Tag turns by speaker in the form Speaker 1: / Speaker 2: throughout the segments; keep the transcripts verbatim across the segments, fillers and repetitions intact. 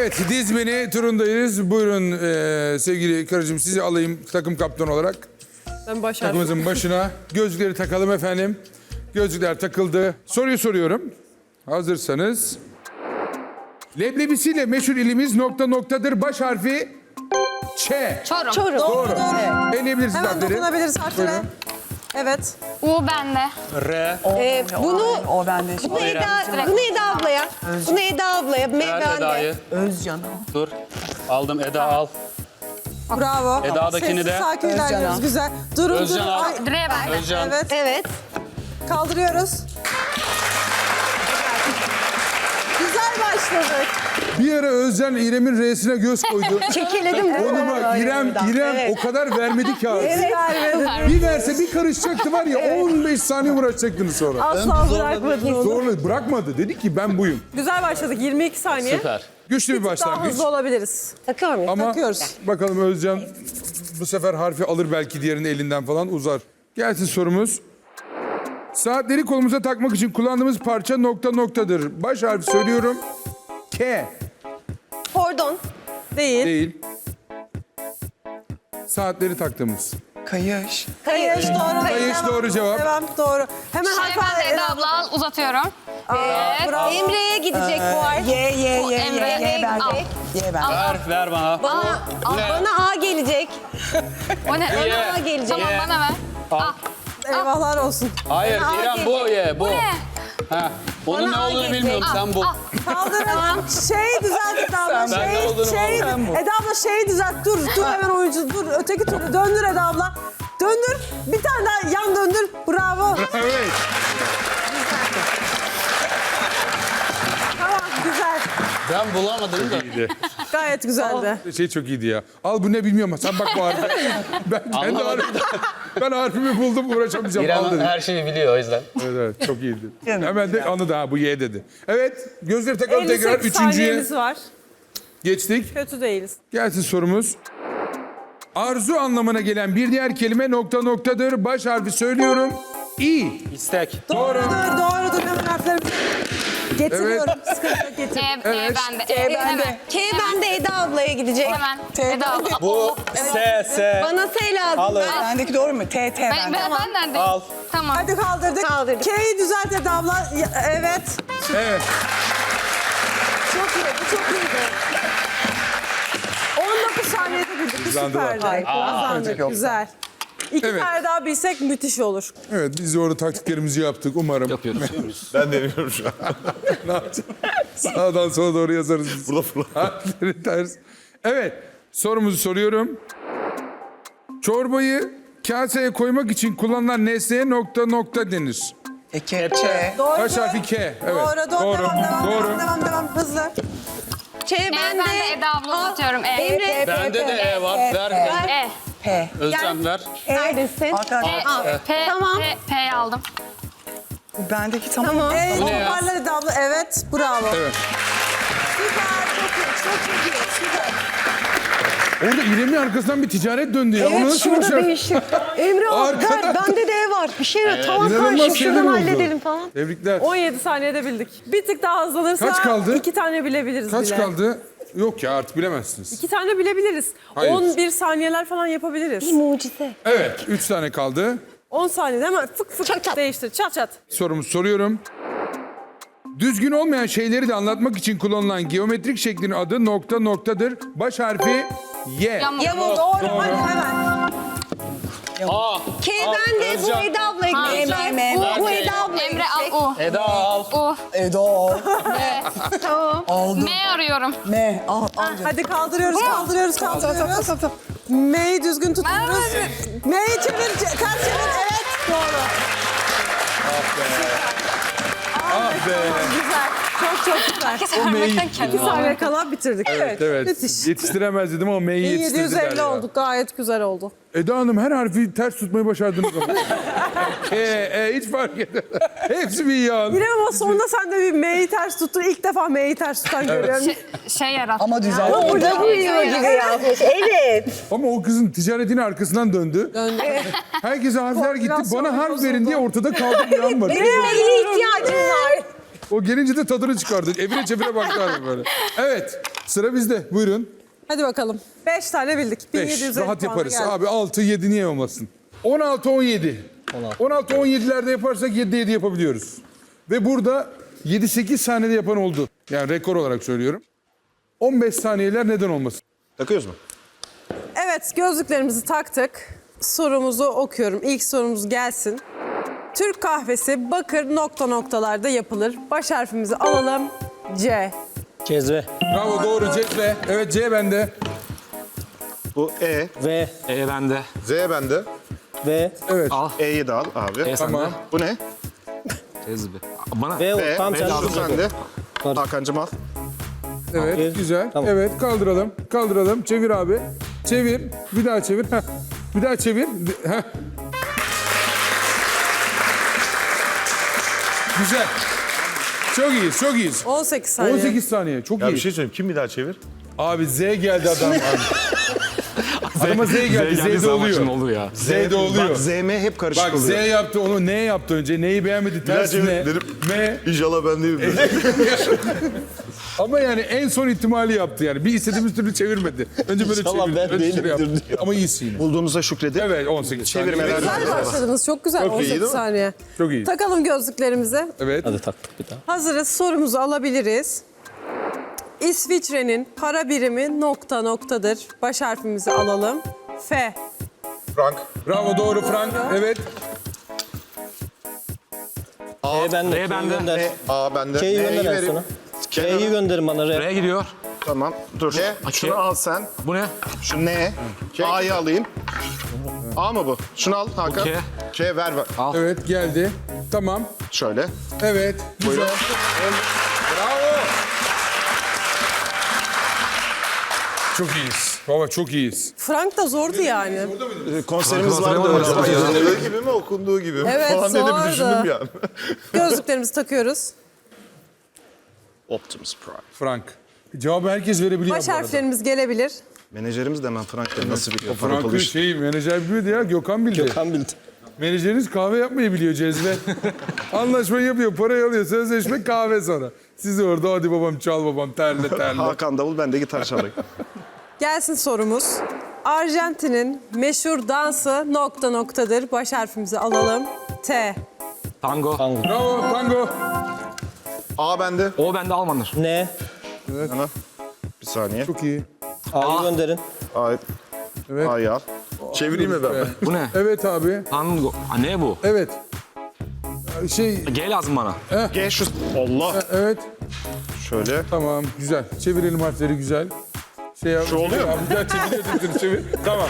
Speaker 1: Evet, diz beni turundayız. Buyurun e, sevgili karıcığım, sizi alayım takım kaptanı olarak.
Speaker 2: Ben başardım.
Speaker 1: Takımımızın başına. Gözlükleri takalım efendim. Gözlükler takıldı. Soruyu soruyorum. Hazırsanız. Leblebisiyle meşhur ilimiz nokta noktadır. Baş harfi Ç.
Speaker 3: Çorum.
Speaker 2: Çorum.
Speaker 1: Doğru.
Speaker 2: Doğru.
Speaker 1: Eleyebilirsiniz
Speaker 2: Hemen
Speaker 1: harfleri.
Speaker 2: dokunabiliriz harfine.
Speaker 1: Buyurun.
Speaker 2: Evet.
Speaker 3: U bende.
Speaker 4: R.
Speaker 5: Ee, bunu
Speaker 4: O bende.
Speaker 5: bunu Eda, bunu Eda ablaya. Bunu Eda ablaya.
Speaker 4: Ver
Speaker 5: Meyvende.
Speaker 4: Eda'yı.
Speaker 6: Özcan o.
Speaker 4: Dur. Aldım Eda al.
Speaker 2: Bravo.
Speaker 4: Eda'dakini
Speaker 2: Sessiz,
Speaker 4: de.
Speaker 2: sakin
Speaker 6: Özcan
Speaker 2: ilerliyoruz.
Speaker 6: al.
Speaker 2: Güzel. Durun
Speaker 4: Özcan
Speaker 2: durun.
Speaker 4: al.
Speaker 2: Ay,
Speaker 3: Dire bende.
Speaker 4: Özcan.
Speaker 2: Evet.
Speaker 5: Evet.
Speaker 2: Kaldırıyoruz. Güzel başladık.
Speaker 1: Bir ara Özcan İrem'in R'sine göz koydu.
Speaker 5: Çekeledim.
Speaker 1: Onu bak İrem, İrem o kadar vermedi ki abi. Bir verse bir karışacaktı var ya on beş saniye uğraşacaktınız sonra.
Speaker 2: Asla bırakmadın onu.
Speaker 1: Zorla bırakmadı. Dedi ki ben buyum.
Speaker 2: Güzel başladık. yirmi iki saniye.
Speaker 4: Süper.
Speaker 1: Güçlü bir
Speaker 2: Daha
Speaker 1: başlangıç.
Speaker 2: hızlı olabiliriz.
Speaker 5: Takıyor muyum?
Speaker 1: Ama
Speaker 2: Takıyoruz.
Speaker 1: bakalım Özcan bu sefer harfi alır belki diğerinin elinden falan uzar. Gelsin sorumuz. Saatleri kolumuza takmak için kullandığımız parça nokta noktadır. Baş harfi söylüyorum. K.
Speaker 5: Pardon.
Speaker 2: Değil.
Speaker 1: Değil. Saatleri taktığımız.
Speaker 6: Kayış.
Speaker 2: Kayış doğru.
Speaker 1: Kayış
Speaker 2: Devam.
Speaker 1: doğru cevap.
Speaker 2: Devam doğru. Hemen
Speaker 3: Şey
Speaker 2: harf
Speaker 3: bende
Speaker 2: al.
Speaker 3: Eda abla al uzatıyorum. Evet.
Speaker 2: Bravo.
Speaker 5: Emre'ye gidecek bu harf.
Speaker 6: Ye ye ye ye
Speaker 3: Emre,
Speaker 6: ye bende.
Speaker 3: al.
Speaker 6: Ye bende.
Speaker 4: Ver, ver bana.
Speaker 5: Bana,
Speaker 4: Bu ne?
Speaker 5: bana A gelecek.
Speaker 3: O ne?
Speaker 4: Ye.
Speaker 5: Bana A gelecek.
Speaker 3: Tamam
Speaker 4: Ye.
Speaker 3: bana ver.
Speaker 4: Al.
Speaker 2: Eyvahlar olsun.
Speaker 4: Hayır
Speaker 5: Bana
Speaker 4: İrem
Speaker 5: al
Speaker 4: bu ye bu.
Speaker 3: Bu ne?
Speaker 4: Ha. Bunun ne
Speaker 5: Bana al
Speaker 4: olduğunu
Speaker 5: gelecek.
Speaker 4: bilmiyorum sen bu.
Speaker 2: Kaldırın. Şey düzelt Eda abla.
Speaker 4: Ben ne
Speaker 2: Şey,
Speaker 4: olduğunu
Speaker 2: şey,
Speaker 4: bilmiyorum.
Speaker 2: Eda abla şeyi düzelt. Dur, dur hemen oyuncu. Dur, öteki türlü. Döndür Eda abla. Döndür. Bir tane daha yan döndür. Bravo.
Speaker 1: Evet.
Speaker 2: Tamam, güzel.
Speaker 4: Ben bulamadım da.
Speaker 2: Gayet güzeldi.
Speaker 1: Şey çok iyiydi ya. Al bu ne bilmiyorum ama sen bak bu harfi. Ben kendi
Speaker 4: Anlamadım.
Speaker 1: harfimi, ben harfimi buldum uğraşamayacağım. Al
Speaker 4: İrem
Speaker 1: dedim.
Speaker 4: her şeyi biliyor o yüzden.
Speaker 1: Evet evet çok iyiydi.
Speaker 6: Canım,
Speaker 1: Hemen de anladı ha bu Y dedi. Evet gözleri takalım
Speaker 2: elli
Speaker 1: tekrar
Speaker 2: sekiz
Speaker 1: üçüncüye
Speaker 2: saniyemiz var.
Speaker 1: geçtik.
Speaker 2: Kötü değiliz.
Speaker 1: Gelsin sorumuz. Arzu anlamına gelen bir diğer kelime nokta noktadır. Baş harfi söylüyorum. İ.
Speaker 4: İstek.
Speaker 1: Doğru.
Speaker 2: Doğrudur, doğrudur. Hemen harfleri getiriyorum. Sıkıntı yok,
Speaker 3: E,
Speaker 2: getir.
Speaker 3: E
Speaker 1: Evet.
Speaker 3: bende.
Speaker 6: E
Speaker 3: E
Speaker 6: bende.
Speaker 3: hemen.
Speaker 5: K bende Eda ablaya gidecek.
Speaker 3: Hemen.
Speaker 6: T
Speaker 3: Eda abla.
Speaker 4: Bu S S.
Speaker 5: Bana S lazım.
Speaker 4: Alın.
Speaker 5: Ben-
Speaker 6: Bendeki doğru mu? T T
Speaker 3: Ben,
Speaker 6: bende.
Speaker 3: ben, benden de.
Speaker 4: Al.
Speaker 3: Tamam.
Speaker 2: Hadi kaldırdık.
Speaker 5: Kaldırdık.
Speaker 2: K'yi düzelt Eda abla. Ya, evet.
Speaker 1: Evet.
Speaker 2: Çok iyi, bu çok iyiydi. on dokuz saniyede bildik. Bu
Speaker 1: Hızlandılar.
Speaker 2: süperdi. Hızlandık,
Speaker 6: Aa.
Speaker 2: güzel. İki
Speaker 1: Evet.
Speaker 2: tane daha bilsek müthiş olur.
Speaker 1: Evet biz de orada taktiklerimizi yaptık umarım.
Speaker 4: Yapıyoruz. yapıyoruz.
Speaker 7: Ben deniyorum şu an.
Speaker 1: Ne yapacağız? Sağdan sola doğru yazarız biz.
Speaker 7: Burada fırla.
Speaker 1: Harfleri ters. Evet sorumuzu soruyorum. Çorbayı kaseye koymak için kullanılan nesneye nokta nokta denir.
Speaker 6: E, kepçe.
Speaker 2: Doğru.
Speaker 1: Baş harfi K. Evet.
Speaker 2: Doğru, doğru.
Speaker 1: Doğru.
Speaker 2: Devam, devam,
Speaker 1: Doğru.
Speaker 2: devam, devam, devam. Hızlı.
Speaker 5: Ç
Speaker 3: E
Speaker 5: bende.
Speaker 3: bende Eda abla uzatıyorum. E.
Speaker 5: Emre.
Speaker 4: Bende de E var. Ver.
Speaker 3: E.
Speaker 6: P.
Speaker 4: Özcan ver.
Speaker 5: Neredesin?
Speaker 6: Arkadaşlar
Speaker 3: P. P.
Speaker 5: Tamam.
Speaker 3: P. P'yi aldım.
Speaker 6: bendeki tamam.
Speaker 5: Tamam.
Speaker 2: Ee,
Speaker 4: Bu ne ya?
Speaker 2: toparlar Eda abla. Evet, bravo.
Speaker 1: Evet.
Speaker 2: Süper, çok iyi, çok çok iyi. Süper.
Speaker 1: Orada İrem'in arkasından bir ticaret döndü ya. Onu
Speaker 5: Evet
Speaker 1: nasıl
Speaker 5: şurada
Speaker 1: başardın?
Speaker 5: değişik. Emre al
Speaker 1: Arkadan-
Speaker 5: ver bende de ev var. Bir şey yok. Tamam
Speaker 1: İnanılmaz
Speaker 5: kardeşim
Speaker 1: şeyler
Speaker 5: şuradan
Speaker 1: oldu.
Speaker 5: halledelim falan.
Speaker 1: Tebrikler.
Speaker 2: on yedi saniyede bildik. Bir tık daha hızlanırsa
Speaker 1: Kaç kaldı?
Speaker 2: iki tane bilebiliriz
Speaker 1: Kaç
Speaker 2: bile.
Speaker 1: kaldı? Yok ya artık bilemezsiniz.
Speaker 2: İki tane bilebiliriz.
Speaker 1: Hayır.
Speaker 2: on bir saniyeler falan yapabiliriz.
Speaker 5: Mucize.
Speaker 1: Evet üç tane kaldı.
Speaker 2: on saniyede hemen fık fık
Speaker 5: Çat çat.
Speaker 2: değiştir. Çat çat.
Speaker 1: Sorumuzu soruyorum. Düzgün olmayan şeyleri de anlatmak için kullanılan geometrik şeklin adı nokta noktadır. Baş harfi Y.
Speaker 3: Yamuk.
Speaker 2: Yamuk. Doğru. Hadi hemen.
Speaker 4: A.
Speaker 5: K
Speaker 4: Al,
Speaker 5: bende bu
Speaker 4: Özcan.
Speaker 5: Eda ablaya
Speaker 3: Ha,
Speaker 5: gidecek.
Speaker 6: M, M,
Speaker 5: Bu,
Speaker 6: M.
Speaker 5: bu Eda ablaya
Speaker 3: Emre
Speaker 5: gidecek.
Speaker 3: al U.
Speaker 4: Eda al.
Speaker 3: U.
Speaker 6: Edo.
Speaker 5: Tamam.
Speaker 6: Aldım.
Speaker 3: M arıyorum.
Speaker 6: M. Al. Al. canım.
Speaker 2: Hadi kaldırıyoruz, kaldırıyoruz,
Speaker 6: Tamam, tamam,
Speaker 2: kaldırıyoruz.
Speaker 6: tamam, tamam.
Speaker 2: M'yi düzgün tutuyoruz. M'yi çevir, ce- ters çevir. Evet, doğru.
Speaker 1: Ah be.
Speaker 2: Güzel. Çok çok güzel.
Speaker 3: Herkes vermekten
Speaker 2: İki
Speaker 3: kendini
Speaker 2: saniye kala bitirdik. Evet,
Speaker 1: Evet.
Speaker 2: müthiş.
Speaker 1: Yetiştiremez dedim ama M'yi
Speaker 2: yedi
Speaker 1: yetiştirdiler
Speaker 2: yüz elli
Speaker 1: ya.
Speaker 2: olduk. Gayet güzel oldu.
Speaker 1: Eda Hanım her harfi ters tutmayı başardınız ama. E, e, hiç fark etmez. Hepsi bir yan.
Speaker 2: Yine ama sonunda sen de bir M'yi ters tuttun. İlk defa M'yi ters tutan görüyorum.
Speaker 3: Şey, şey yarat.
Speaker 6: Ama düzel.
Speaker 5: Burada duyuyor gibi yapmış. Evet.
Speaker 1: Ama o kızın ticaretinin arkasından döndü.
Speaker 2: Döndü.
Speaker 1: Herkese harfler gitti.
Speaker 2: Koordinasyon
Speaker 1: Bana harf
Speaker 2: bozuldu.
Speaker 1: verin diye ortada kaldı bir an var.
Speaker 5: Benim M'ye ihtiyacım var.
Speaker 1: O gelince de tadını çıkardı. Evine çevire baktı abi böyle. Evet. Sıra bizde. Buyurun.
Speaker 2: Hadi bakalım. beş tane bildik. bin yedi
Speaker 1: beş.
Speaker 2: yüz elli
Speaker 1: Rahat
Speaker 2: puana
Speaker 1: yaparız.
Speaker 2: geldik.
Speaker 1: Abi altı yedi niye olmasın? on altı on yedi. on altı on yedilerde yaparsak yedi yedi yapabiliyoruz. Ve burada yedi sekiz saniyede yapan oldu. Yani rekor olarak söylüyorum. on beş saniyeler neden olmasın?
Speaker 7: Takıyoruz mu?
Speaker 2: Evet, gözlüklerimizi taktık. Sorumuzu okuyorum. İlk sorumuz gelsin. Türk kahvesi bakır nokta noktalarda yapılır. Baş harfimizi alalım. C.
Speaker 8: Cezve.
Speaker 1: Bravo, doğru. C. Evet, C bende.
Speaker 7: Bu E.
Speaker 8: V.
Speaker 4: E bende.
Speaker 7: Z bende.
Speaker 8: V.
Speaker 1: Evet.
Speaker 4: Al.
Speaker 7: E'yi de al abi.
Speaker 4: E
Speaker 1: Tamam.
Speaker 4: sende.
Speaker 7: Bu ne?
Speaker 4: Cezbe. Bana.
Speaker 8: V.
Speaker 7: E.
Speaker 8: Tam sen
Speaker 7: Şu sende.
Speaker 8: Var.
Speaker 7: Hakan'cım al.
Speaker 1: Evet,
Speaker 8: Evet.
Speaker 1: güzel.
Speaker 8: Tamam.
Speaker 1: Evet, kaldıralım. Kaldıralım. Çevir abi. Çevir. Bir daha çevir. Heh. Bir daha çevir. Heh. Güzel. Çok iyiyiz, çok iyiyiz.
Speaker 2: on sekiz saniye.
Speaker 1: on sekiz saniye, çok
Speaker 7: Ya
Speaker 1: iyi.
Speaker 7: bir şey söyleyeyim. Kim bir daha çevir?
Speaker 1: Abi Z geldi adam. Abi. Adama Z geldi, Z de oluyor.
Speaker 4: oluyor ya.
Speaker 1: Z de oluyor.
Speaker 7: Bak Z M hep karışık
Speaker 1: Bak Z
Speaker 7: oluyor.
Speaker 1: yaptı, onu N yaptı önce. Neyi beğenmedi, tersine.
Speaker 7: çevir,
Speaker 1: M.
Speaker 7: İnşallah ben değilim.
Speaker 1: Ama yani en son ihtimali yaptı yani. Bir istediğimiz türlü çevirmedi. Önce böyle
Speaker 8: İnşallah
Speaker 1: çevirdi.
Speaker 8: ben
Speaker 1: Önce şöyle
Speaker 8: değilimdir
Speaker 1: yaptı.
Speaker 8: diyor.
Speaker 1: Ama iyisin yine.
Speaker 7: Bulduğumuza şükredip.
Speaker 1: Evet, on sekiz
Speaker 7: Çevirmeler.
Speaker 1: saniye.
Speaker 2: Güzel başladınız. Çok güzel.
Speaker 7: Çok iyi,
Speaker 2: on
Speaker 7: değil
Speaker 2: sekiz
Speaker 7: mi?
Speaker 2: saniye.
Speaker 1: Çok iyi.
Speaker 2: Takalım gözlüklerimizi.
Speaker 1: Evet.
Speaker 8: Hadi taktık bir daha.
Speaker 2: Hazırız. Sorumuzu alabiliriz. İsviçre'nin para birimi nokta noktadır. Baş harfimizi alalım. F.
Speaker 7: Frank.
Speaker 1: Bravo, doğru Frank. Evet.
Speaker 8: E bende.
Speaker 4: R bende.
Speaker 8: Gönder.
Speaker 7: E, A bende.
Speaker 8: K'yi
Speaker 7: N'yi
Speaker 8: gönder en
Speaker 7: verin.
Speaker 8: sona.
Speaker 7: Kenara.
Speaker 8: K'yi gönderin bana. R.
Speaker 4: R'ye gidiyor.
Speaker 7: Tamam. Dur. K. Şunu al sen.
Speaker 4: Bu ne?
Speaker 7: Şu N. A'yı alayım. A mı bu? Şunu al Hakan.
Speaker 4: K.
Speaker 7: K ver ver.
Speaker 1: Evet, geldi. Tamam.
Speaker 7: Şöyle.
Speaker 1: Evet. Güzel.
Speaker 7: Buyurun.
Speaker 1: Bravo. Çok iyiyiz. Baba çok iyiyiz.
Speaker 2: Frank da zordu yani.
Speaker 7: Konserimiz
Speaker 4: Hatırlamadım
Speaker 7: vardı öyle.
Speaker 4: acaba
Speaker 7: Ama
Speaker 4: ya.
Speaker 7: yazıldığı gibi mi okunduğu gibi mi
Speaker 2: Evet,
Speaker 7: falan diye de bir
Speaker 2: zordu.
Speaker 7: düşündüm yani.
Speaker 2: Gözlüklerimizi takıyoruz.
Speaker 7: Optimus Prime.
Speaker 1: Frank. Cevabı herkes verebiliyor
Speaker 2: Baş
Speaker 1: bu arada.
Speaker 2: harflerimiz gelebilir.
Speaker 7: Menajerimiz de hemen Frank'la nasıl bir kafa
Speaker 1: Frank'ın
Speaker 7: yapılış.
Speaker 1: şeyi menajer biliyordu ya, Gökhan bildi.
Speaker 8: Gökhan bildi.
Speaker 1: Menajeriniz kahve yapmayı biliyor Cezve. Anlaşmayı yapıyor, parayı alıyor, sözleşme kahve sonra. Siz de orada hadi babam çal babam terle terle.
Speaker 7: Hakan davul, ben de gitar çalayım.
Speaker 2: Gelsin sorumuz. Arjantin'in meşhur dansı nokta noktadır. Baş harfimizi alalım. T.
Speaker 4: Tango.
Speaker 8: Tango.
Speaker 1: Bravo tango.
Speaker 7: A bende.
Speaker 4: O bende Almandır.
Speaker 8: N.
Speaker 7: Ana. Bir saniye.
Speaker 1: Çok iyi.
Speaker 8: A'yı gönderin.
Speaker 7: A.
Speaker 1: Evet.
Speaker 7: A'yı al. Çevireyim mi ben?
Speaker 4: Bu ne?
Speaker 1: Evet abi.
Speaker 4: Tango. Ha, ne bu?
Speaker 1: Evet. Şey
Speaker 4: G lazım bana.
Speaker 7: G şu. Allah.
Speaker 1: evet.
Speaker 7: Şöyle.
Speaker 1: Tamam güzel. Çevirelim harfleri güzel. Şey yap.
Speaker 7: Şu oluyor mu?
Speaker 1: Abi, güzel çeviriyorsun çevir. Tamam.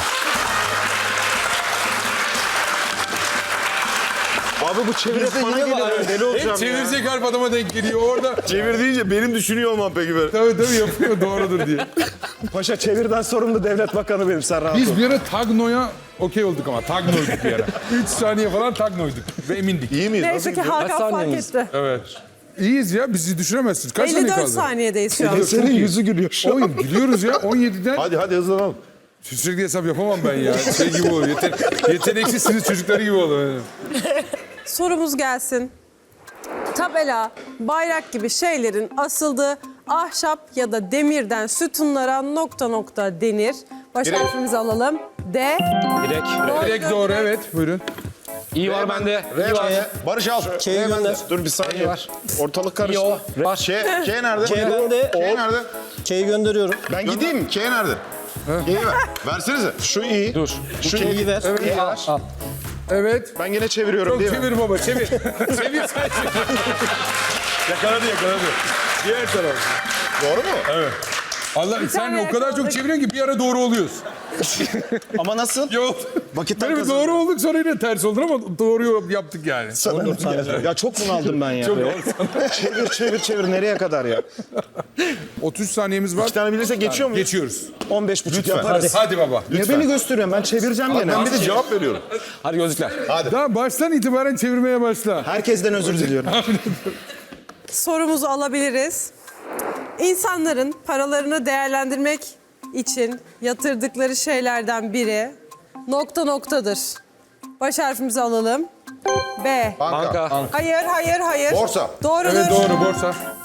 Speaker 7: Abi bu çevir hep bana geliyor. Ben deli olacağım
Speaker 1: Hep
Speaker 7: ya.
Speaker 1: çevirecek harf adama denk geliyor orada.
Speaker 7: Çevir deyince benim düşünüyor olmam peki böyle.
Speaker 1: Tabii tabii yapıyor doğrudur diye.
Speaker 7: Paşa çevirden sorumlu devlet bakanı benim, sen rahat ol.
Speaker 1: Biz bir ara Tagno'ya okey olduk ama Tagno'yduk bir ara. üç saniye falan Tagno'yduk ve emindik.
Speaker 7: İyi miyiz?
Speaker 2: Neyse ki Hakan fark
Speaker 8: saniyemiz?
Speaker 2: etti.
Speaker 1: Evet. İyiyiz ya bizi düşüremezsiniz. Kaç saniye
Speaker 2: elli dört
Speaker 1: kaldı?
Speaker 2: saniyedeyiz şu an.
Speaker 7: Senin yüzü gülüyor şu an.
Speaker 1: Oğlum gidiyoruz ya on yediden.
Speaker 7: Hadi hadi hızlanalım.
Speaker 1: Sürekli hesap yapamam ben ya. Şey gibi oluyor. Yeten yeteneksizsiniz çocukları gibi oluyor.
Speaker 2: Sorumuz gelsin. Tabela, bayrak gibi şeylerin asıldığı ahşap ya da demirden sütunlara nokta nokta denir. Baş
Speaker 7: Direkt.
Speaker 2: harfimizi alalım. D.
Speaker 4: Direkt.
Speaker 1: Direkt doğru evet. Buyurun.
Speaker 4: İyi var bende.
Speaker 7: R bende. Barış al.
Speaker 8: K'yi
Speaker 7: R bende.
Speaker 8: gönder.
Speaker 7: Dur bir saniye.
Speaker 4: var.
Speaker 7: Ortalık
Speaker 4: İyi
Speaker 7: karıştı.
Speaker 4: o. Var.
Speaker 7: K, K nerede?
Speaker 8: K bende.
Speaker 7: K nerede?
Speaker 8: K'yi gönderiyorum.
Speaker 7: Ben gideyim mi? K nerede? K'yi ver. Versenize. Şu iyi.
Speaker 4: Dur.
Speaker 7: Şu
Speaker 8: K'yi
Speaker 7: iyi.
Speaker 8: ver.
Speaker 7: K'yi ver.
Speaker 8: Al.
Speaker 1: Evet.
Speaker 7: Ben gene çeviriyorum
Speaker 1: Çok
Speaker 7: değil mi?
Speaker 1: çevir baba çevir. çevir sen çevir. yakaladı yakaladı. Diğer taraf.
Speaker 7: Doğru mu?
Speaker 1: Evet. Allah sen
Speaker 2: tane
Speaker 1: o kadar çok
Speaker 2: yakaladık.
Speaker 1: çeviriyorsun ki bir ara doğru oluyoruz.
Speaker 7: Ama nasıl?
Speaker 1: Yok.
Speaker 7: Vakitten
Speaker 1: Böyle bir doğru olduk sonra yine ters oldu ama doğru yaptık yani.
Speaker 7: Ya çok bunaldım ben ya. çevir çevir çevir nereye kadar ya?
Speaker 1: otuz saniyemiz var.
Speaker 7: İki tane bilirse geçiyor muyuz?
Speaker 1: Geçiyoruz.
Speaker 7: on beş buçuk
Speaker 1: Lütfen.
Speaker 7: yaparız.
Speaker 1: Hadi baba.
Speaker 7: Niye beni gösteriyorsun? Ben çevireceğim gene.
Speaker 1: Ben bir de
Speaker 7: cevap veriyorum.
Speaker 4: Hadi gözlükler.
Speaker 1: Daha baştan itibaren çevirmeye başla.
Speaker 7: Herkesten özür diliyorum.
Speaker 2: Sorumuzu alabiliriz. İnsanların paralarını değerlendirmek için yatırdıkları şeylerden biri nokta noktadır. Baş harfimizi alalım. B.
Speaker 7: Banka.
Speaker 4: Banka.
Speaker 2: Hayır, hayır, hayır.
Speaker 7: Borsa.
Speaker 2: Doğrudur.
Speaker 1: Evet doğru borsa.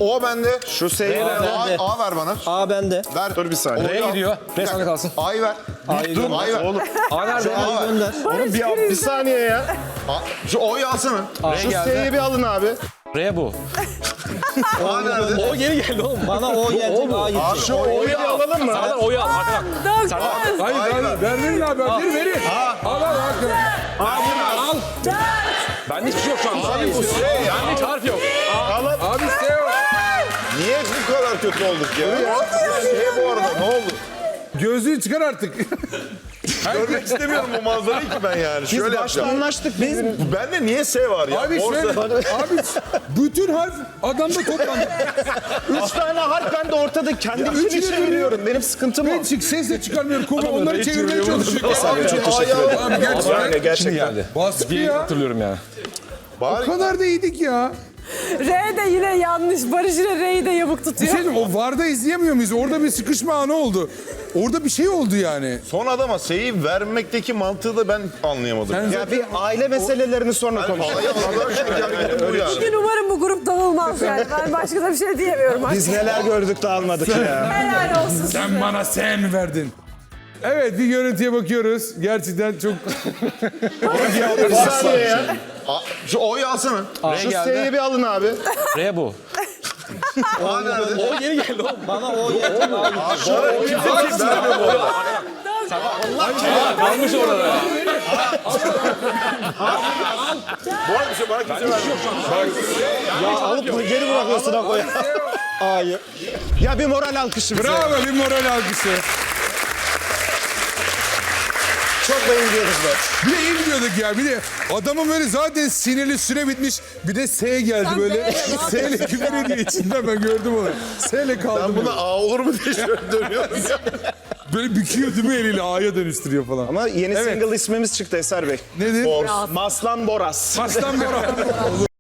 Speaker 9: O bende. Şu S'yi ver.
Speaker 8: bende.
Speaker 9: A, A ver bana.
Speaker 8: A bende.
Speaker 9: Ver.
Speaker 7: Dur bir saniye.
Speaker 4: R'ye gidiyor. R sende kalsın.
Speaker 9: A'yı ver.
Speaker 8: A'yı
Speaker 9: Dur.
Speaker 8: gönder.
Speaker 9: A'yı ver.
Speaker 7: Oğlum,
Speaker 4: A nerede?
Speaker 9: A
Speaker 8: A'yı
Speaker 9: ver.
Speaker 8: gönder.
Speaker 7: oğlum bir, bir saniye ya.
Speaker 9: A- Şu O'yu alsana.
Speaker 7: Şu
Speaker 4: geldi.
Speaker 7: S'yi bir alın abi.
Speaker 4: R bu.
Speaker 9: A nerede?
Speaker 4: O geri geldi oğlum.
Speaker 8: Bana O gelecek, A gidecek.
Speaker 7: Şu O'yu bir alalım mı?
Speaker 4: Serdar O'yu al. Arkadan.
Speaker 2: Dokuz.
Speaker 1: Hayır,
Speaker 9: Hayır,
Speaker 1: hayır,
Speaker 9: ver.
Speaker 1: ver verin abi. Verin, verin. Al, al, al.
Speaker 4: Al. Bende hiçbir şey yok şu an.
Speaker 9: Abi bu S ya.
Speaker 4: Bende hiç harf yok.
Speaker 1: Abi S o.
Speaker 9: Niye bu kadar kötü olduk ya? S bu arada ne oldu?
Speaker 1: Gözlüğü çıkar artık.
Speaker 9: Görmek istemiyorum bu manzarayı ki ben yani.
Speaker 7: Biz
Speaker 9: Şöyle
Speaker 7: başta
Speaker 9: yapacağım.
Speaker 7: anlaştık. Biz
Speaker 9: Bende niye S var ya?
Speaker 1: Abi
Speaker 9: Borsa-
Speaker 1: şöyle, abi bütün harf adamda toplandı.
Speaker 7: üç tane harf ben de ortada kendim
Speaker 1: üçünü
Speaker 7: için çeviriyorum. Benim sıkıntım o.
Speaker 1: Ben çık sesle çıkarmıyorum. Konu onları çevirmeye çalışıyor.
Speaker 9: Abi çok teşekkür ederim.
Speaker 1: Abi gerçekten
Speaker 7: Yani gerçekten.
Speaker 4: Şimdi geldi.
Speaker 1: baskı
Speaker 4: Bir
Speaker 1: ya.
Speaker 4: hatırlıyorum yani.
Speaker 1: O
Speaker 9: Bari
Speaker 1: kadar da iyiydik ya.
Speaker 2: R de yine yanlış. Barış yine R'yi de yamuk
Speaker 1: Bir
Speaker 2: tutuyor.
Speaker 1: şey diyeyim, o VAR'da izleyemiyor muyuz? Orada bir sıkışma anı oldu. Orada bir şey oldu yani.
Speaker 9: son adama S'yi vermekteki mantığı da ben anlayamadım.
Speaker 1: Sen
Speaker 9: Ya.
Speaker 7: Ya bir aile meselelerini sonra konuşalım.
Speaker 9: Ay Allah aşkına yani bu yani.
Speaker 2: Bugün umarım bu grup dağılmaz yani. Ben başka da bir şey diyemiyorum.
Speaker 7: Biz neler gördük de almadık ya.
Speaker 2: Helal olsun size.
Speaker 1: Sen bana sen verdin. Evet, bir görüntüye bakıyoruz. Gerçekten çok...
Speaker 7: Bir saniye ya.
Speaker 9: A- Şu O'yu alsana.
Speaker 4: R
Speaker 7: Şu
Speaker 4: geldi.
Speaker 7: S'yi bir alın abi.
Speaker 4: R bu.
Speaker 9: A nerede?
Speaker 4: O geri geldi oğlum.
Speaker 8: Bana O gelecek, A gidecek.
Speaker 9: Bana kimse vermiyor bu arada.
Speaker 4: Kalmış orada.
Speaker 9: Bu arada bir şey bana kimse vermiyor.
Speaker 7: Ya alıp geri bırakıyorsun ha koya. A'yı. Ya bir moral alkışı bize.
Speaker 1: Bravo, bir moral algısı.
Speaker 7: Çok da iyi diyoruz be.
Speaker 1: Bir de iyi gidiyorduk ya. Bir de adamın böyle zaten sinirli süre bitmiş. Bir de S geldi
Speaker 2: Sen
Speaker 1: böyle.
Speaker 2: B'ye
Speaker 1: S ile küfür ediyor içinden, ben gördüm onu. S ile kaldı.
Speaker 9: Ben
Speaker 1: böyle.
Speaker 9: buna A olur mu diye şöyle dönüyorum ya.
Speaker 1: Böyle büküyor değil mi eliyle, A'ya dönüştürüyor falan.
Speaker 7: Ama yeni
Speaker 1: Evet.
Speaker 7: single ismimiz çıktı Eser Bey.
Speaker 1: Nedir?
Speaker 7: Maslan Boras.
Speaker 1: Aslan Bora.